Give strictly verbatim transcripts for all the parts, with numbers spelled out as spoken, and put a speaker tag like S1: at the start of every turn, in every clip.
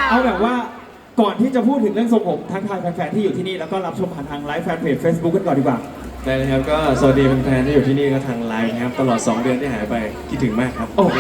S1: เอาแบบว่าก่อนที่จะพูดถึงเรื่องทรงผมทักทายแฟนๆที่อยู่ที่นี่แล้วก็รับชมผ่านทางไลฟ์แฟนเพจ Facebook กันก่อนดีกว่า
S2: ได้เลยครับก็สวัสดีแฟนๆที่อยู่ที่นี่ก็ทางไลน์นะครับตลอดสองเดือนที่หายไปคิดถึงมากครับ
S1: โอ้โห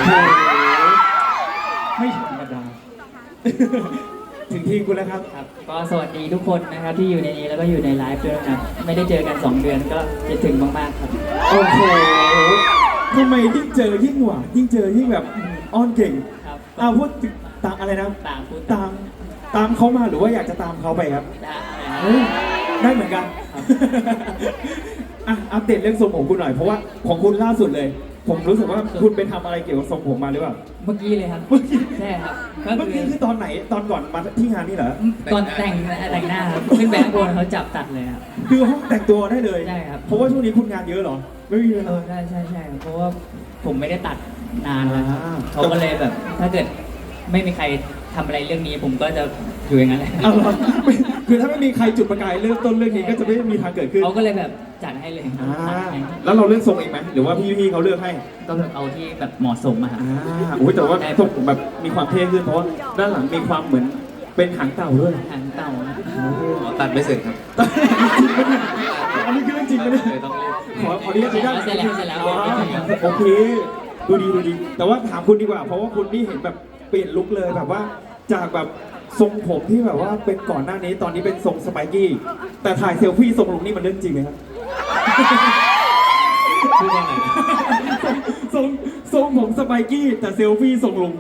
S1: ไม่ธรรมดาถึงที่คุณแล้วครับ
S3: ครับก็สวัสดีทุกคนนะครับที่อยู่ในนี้แล้วก็อยู่ในไลฟ์ด้วยนะครับไม่ได้เจอกันสองเดือนก็คิดถึงมากๆครับ
S1: โอ้โหทำไมยิ่งเจอยิ่งหวานยิ่งเจอยิ่งแบบอ้อนเก่ง
S3: ครับ
S1: อ้าวพูดตามอะไรนะ
S3: ตามพูด
S1: ตามตามเขามาหรือว่าอยากจะตามเขาไปครับ
S3: ได้
S1: ได้เหมือนกันอ่ะอัปเดตเรื่องทรงผมคุณหน่อยเพราะว่าของคุณล่าสุดเลยผมรู้สึกว่าคุณไปทำอะไรเกี่ยวกับทรงผมมาหรือเปล่า
S3: เมื่อกี้เลยครับใช่ครับ
S1: เมื่อกี้คือตอนไหนตอนก่อนมาที่งานนี่เหรอ
S3: ตอนแต่งแต่งหน้าครับขึ้นแบงค์บนเขาจับตัดเลยครับ
S1: คือห้องแต่งตัวได้เลย
S3: ใช่ครับ
S1: เพราะว่าช่วงนี้คุณงานเยอะเหรอไม่มีเวลา
S3: ใช่ใช่ใช่เพราะว่าผมไม่ได้ตัดนานแล้วครับเขาก็เลยแบบถ้าเกิดไม่มีใครทำอะไรเรื่องนี้ผมก็จะอยู่อย่างนั้นแหละ
S1: คือถ้าไม่มีใครจุดประกายเริ่มต้นเรื่องนี้ก็จะไม่มีทางเกิดขึ้น
S3: เขาก็เลยแบบจัดให้เลย
S1: แล้วเราเลือกทรงเองไหมหรือว่าพี่ๆเขาเลือกให้
S3: ก็เอาที่แบบเหมาะสมมา
S1: อ่าโอ้ยแต่ว่าทรงผมแบบมีความเท่ขึ้นเพราะว่าด้านหลังมีความเหมือนเป็นหางเต่าด้วย
S3: หางเต่า
S2: ตัดไม่เสร็จครับ
S1: อันนี้คือเรื่องจริงไหมเนี่ยขอขออนุญาตได้
S3: เสร็จแล้วเสร็จแล้ว
S1: โอเคดูดีดูดีแต่ว่าถามคุณดีกว่าเพราะว่าคุณนี่เห็นแบบเปลี่ยนลุคเลยแบบว่าจากแบบทรงผมที่แบบว่าเป็นก่อนหน้านี้ตอนนี้เป็นทรงสไปกี้แต่ถ่ายเซลฟี่ทรงลุงนี่มันเรื่องจริงไหมครับ
S2: พูดว่าไง
S1: ทรงทรงผมสไปกี้แต่เซลฟี่ทรงลุง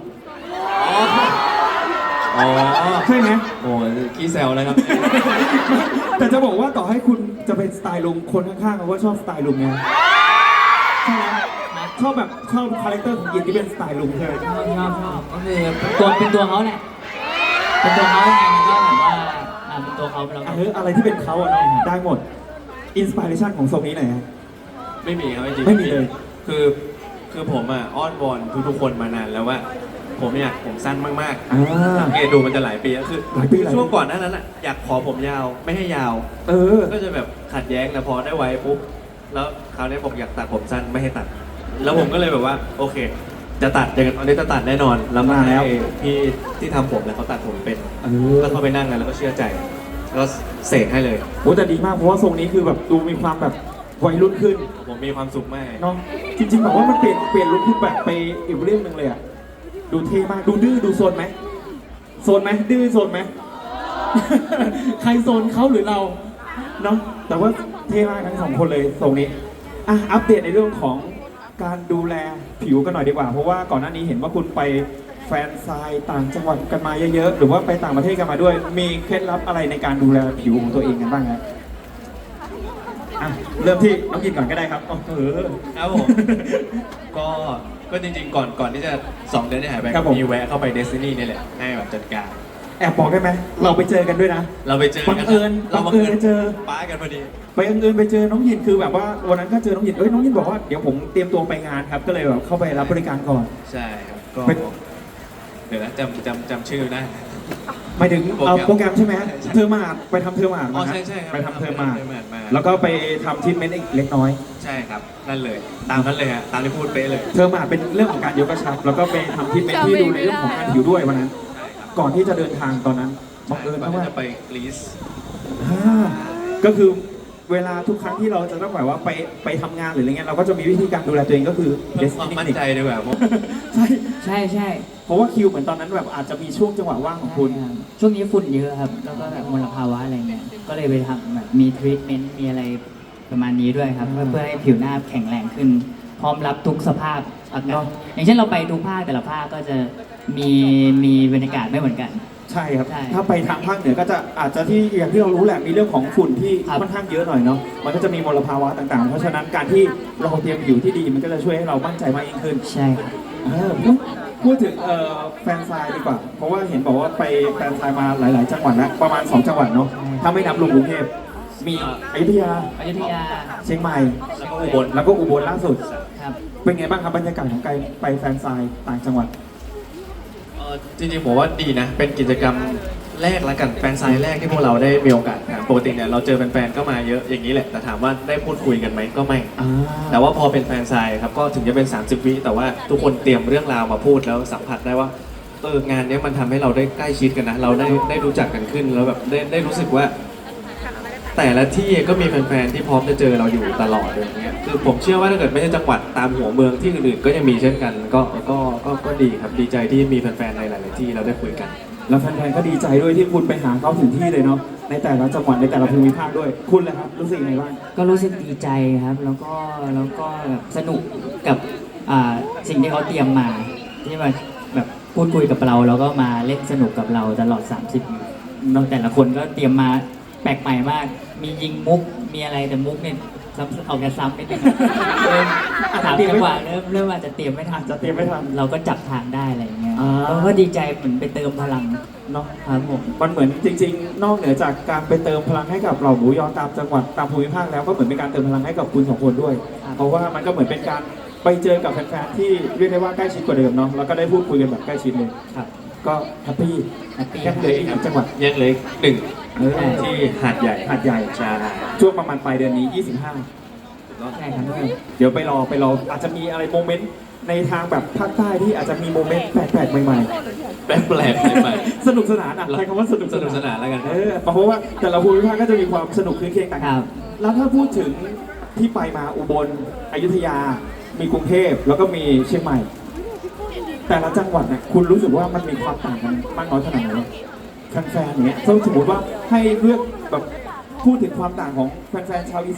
S2: อ๋อ
S1: ใช่ไหม
S2: โอ้ขี้แซวเลยครับ
S1: แต่จะบอกว่าต่อให้คุณจะเป็นสไตล์ลุงคนข้างๆเขาก็ชอบสไตล์ลุงไงใช่ไหมชอบแบบชอบคาแรคเตอร์ของยินที่เป็นสไตล์ลุงใช่ไหม
S3: ชอบชอบชอบก็คือตัวเป็นตัวเขาแหละเป็นตัวเขาไงมันก็แบบว่าเป็นตัวเขาเรา
S1: เอออะไรที่เป็นเขาอะได้หมดอินสปิเรชันของทรงนี้ไหนฮะ
S2: ไม่มีครับจริง
S1: ไม่มีเลย
S2: คือคือผมอ่ะอ้อนวอนทุกๆคนมานานแล้วว่าผมอยากผมสั้นมากๆสังเกตดูมันจะหลายปีแล้วคือช่วงก่อนหน้านั้นอ่ะอยากขอผมยาวไม่ให้ยาว
S1: เออ
S2: ก็จะแบบขัดแย้งแต่พอได้ไว้ปุ๊บแล้วคราวนี้บอกอยากตัดผมสั้นไม่ให้ตัดแล้วผมก็เลยแบบว่าโอเคจะตัดอย่างตอนนี้จะตัดแน่นอนแล้วมาแล้วพี่ที่ทำผมแล้วเขาตัดผมเป็นก็เข้าไปนั่งกันแล้วก็เชื่อใจก็เสกให้เลย
S1: โอ้แต่ดีมากเพราะว่าทรงนี้คือแบบดูมีความแบบวัยรุ่นขึ้น
S2: ผมมีความสุขมาก
S1: น้องจริงๆแบบว่ามันเปลี่ยนเปลี่ยนลุคขึ้นแบบไปอีกเรื่องหนึ่งเลยอ่ะดูเท่มากดูดื้อดูโซนไหมโซนไหมดื้อโซนไหมใครโซนเขาหรือเราเนาะแต่ว่าเท่มากทั้งสองคนเลยทรงนี้อ่ะอัปเดตในเรื่องของการดูแลผิวกันหน่อยดีกว่าเพราะว่าก่อนหน้านี้เห็นว่าคุณไปแฟนซายต่างจังหวัดกันมาเยอะๆหรือว่าไปต่างประเทศกันมาด้วยมีเคล็ดลับอะไรในการดูแลผิวของตัวเองกันบ้างครับอ่ะเริ่มที่น้องกินก่อนก็ได้ครับเออ
S2: ครับผมก็ก็จริงๆก่อนก่อนที่จะสองเดือนที่หายไปมีแวะเข้าไปเดสตินีนี่แหละให้แบบจัดการ
S1: แอบบอกได้ไหมเราไปเจอกันด้วยนะ
S2: เราไปเจอ
S1: บังเอิญเราบังเอิญเจอ
S2: ป้ากันพอดี
S1: ไปบังเอิญไปเจอน้องยินคือแบบว่าวันนั้นก็เจอน้องยินเอ้ยน้องยินบอกว่าเดี๋ยวผมเตรียมตัวไปงานครับก็เลยแบบเข้าไปรับบริการก่อน
S2: ใช่ครับก็เดี๋ยวนะจำจำจำชื่อได้
S1: หมายถึงเอาโปรแกรมใช่ไหมเทอร์มาไปทำเทอร์มา
S2: อ๋อใช่ใช่
S1: ไปทำเทอร์มาแล้วก็ไปทำทิทเมนต์เล็กน้อย
S2: ใช่ครับนั่นเลยตามนั้นเลยฮะตามที่พูดเป๊ะเลย
S1: เทอร์มาเป็นเรื่องของการยกกระชับแล้วก็ไปทำทิทเมนต์ที่ดูในเรื่องของการผิวด้วยวันนั้นก่อนที่จะเดินทางตอนนั้นบังเอิญว่า
S2: จะไปกรีซ
S1: ก็คือเวลาทุกครั้งที่เราจะต้องแบบว่าไปไปทำงานหรืออะไรเงี้ยเราก็จะมีวิธีการดูแลตัวเองก็คือ
S2: เพิ่มความมั่นใจดีกว่า
S1: ใช่
S3: ใช่ใช่
S1: เพราะว่าคิวเหมือนตอนนั้นแบบอาจจะมีช่วงจังหวะว่างของคุณ
S3: ช่วงนี้ฝุ่นเยอะครับแล้วก็แบบมลภาวะอะไรเงี้ยก็เลยไปทำแบบมีทรีทเมนต์มีอะไรประมาณนี้ด้วยครับเพื่อให้ผิวหน้าแข็งแรงขึ้นพร้อมรับทุกสภาพอากาศอย่างเช่นเราไปทุกภาคแต่ละภาคก็จะมีมีบรรยากาศไม่เหมือนกัน
S1: ใช่ครับถ้าไปทางภาคเหนือก็จะอาจจะที่อย่างที่เรารู้แหละมีเรื่องของฝุ่นที่ค่อนข้างเยอะหน่อยเนาะมันก็จะมีมลภาวะต่างๆเพราะฉะนั้นการที่เราเตรียมผิวที่ดีมันก็จะช่วยให้เรามั่นใจมากยิ่งขึ้น
S3: ใช่ครับ
S1: พูดถึงแฟนซายดีกว่าเพราะว่าเห็นบอกว่าไปแฟนซายมาหลายๆจังหวัดแล้วประมาณสองจังหวัดเนาะถ้าไม่นับรวมกรุงเทพมีอยุธยา
S3: อยุธยา
S1: เชียงใหม่
S2: แล้วก็อุบล
S1: แล้วก็อุบลล่าสุด
S3: ครับ
S1: เป็นไงบ้างครับบรรยากาศของการไปแฟนซายต่างจังหวัด
S2: จริงๆผมว่าดีนะเป็นกิจกรรมแรกละกันแฟนไซน์แรกที่พวกเราได้มีโอกาสปกติเนี่ยเราเจอแฟนๆก็มาเยอะอย่างนี้แหละแต่ถามว่าได้พูดคุยกันไหมก็ไม่แต่ว่าพอเป็นแฟนไซน์ครับก็ถึงจะเป็นสามสิบวิแต่ว่าทุกคนเตรียมเรื่องราวมาพูดแล้วสัมผัสได้ว่าเอองานเนี้ยมันทำให้เราได้ใกล้ชิดกันนะเราได้ได้รู้จักกันขึ้นแล้วแบบได้ได้รู้สึกว่า แต่ละที่ก็มีแฟนๆที่พร้อมจะเจอเราอยู่ตลอดอย่างเงี้ยคือผมเชื่อว่าถ้าเกิดไม่ใช่จังหวัดตามหัวเมืองที่อื่นๆก็ยังมีเช่นกันก็ก็ก็ก็ดีครับดีใจที่มีแฟนๆในหลายๆที่เราได้คุยกัน
S1: แล้วแฟนๆก็ดีใจด้วยที่คุณไปหาเขาถึงที่เลยเนาะในแต่ละจังหวัดในแต่ละภูมิภาคด้วยคุณเลยครับรู้สึกยังไงบ้าง
S3: ก็รู้สึกดีใจครับ แล้วก็แล้วก็แบบสนุกกับอ่าสิ่งที่เขาเตรียมมา ที่มาแบบพูดคุยกับเรา แล้วก็มาเล่นสนุกกับเราตลอด สามสิบนาทีเนอะแต่ละคนก็เตรียมมาแปลกใหม่มาก มียิงมุกมีอะไรแต่มุกเนี่ยซ้ำเอาแค่ซ้ำไม่ได้เริ่มถามจังหวะเริ่มเริ่มอาจจะเตรียมไม่ทัน
S1: จะเตรียมไม่ทัน
S3: เราก็จับทางได้อะไรอย่างเงี้ย
S1: อ่า
S3: แล้วก็ดีใจเหมือนไปเติมพลัง
S1: เนาะ
S3: ครับผม
S1: มันเหมือนจริงๆ นอกเหนือจากการไปเติมพลังให้กับเหล่าหมูยอตามจังหวัดตามภูมิภาคแล้วก็เหมือนเป็นการเติมพลังให้กับคุณสองคนด้วย
S3: ครับ
S1: เพราะว่ามันก็เหมือนเป็นการไปเจอกับแฟนๆที่เรียกได้ว่าใกล้ชิดกว่าเดิมเนาะแล้วก็ได้พูดคุยกันแบบใกล้ชิดเลย
S3: ครับ
S1: ก็แฮปปี้
S3: แฮปปี้
S1: ยังเหลืออีกหนึ่งจังหวัด
S2: ยังเหลยหนึ่ง
S1: เออ
S2: ที่หาดใหญ่
S1: หาดใหญ่
S2: ใช่
S1: ช่วงประมาณปลายเดือนนี้ ยี่สิบห้า
S3: ใช่ครับ
S1: เดี๋ยวไปรอไปรออาจจะมีอะไรโมเมนต์ในทางแบบภาคใต้ที่อาจจะมีโมเมนต์แปลกๆใหม่
S2: แปลกแปลกใหม่
S1: ๆ สนุกสนานอ่ะใช้คำว่าสนุก
S2: สนุกสนานแล้วกัน
S1: เออเพราะว่าแต่ละภูมิภาคก็จะมีความสนุกคลื่นเครงต่าง
S3: ค
S1: กั
S3: รั
S1: น
S3: บ
S1: แล้วถ้าพูดถึงที่ไปมาอุบลอยุธยา มีกรุงเทพแล้วก็มีเชียงใหม่ แต่ละจังหวัดเนี่ยคุณรู้สึกว่ามันมีความต่างกันมากน้อยขนาดไหนแฟนๆอย่างเงี้ยถ้าสมมติว่าให้เลือกแบบพูดถึงความต่างของแฟนๆชาวอีสาน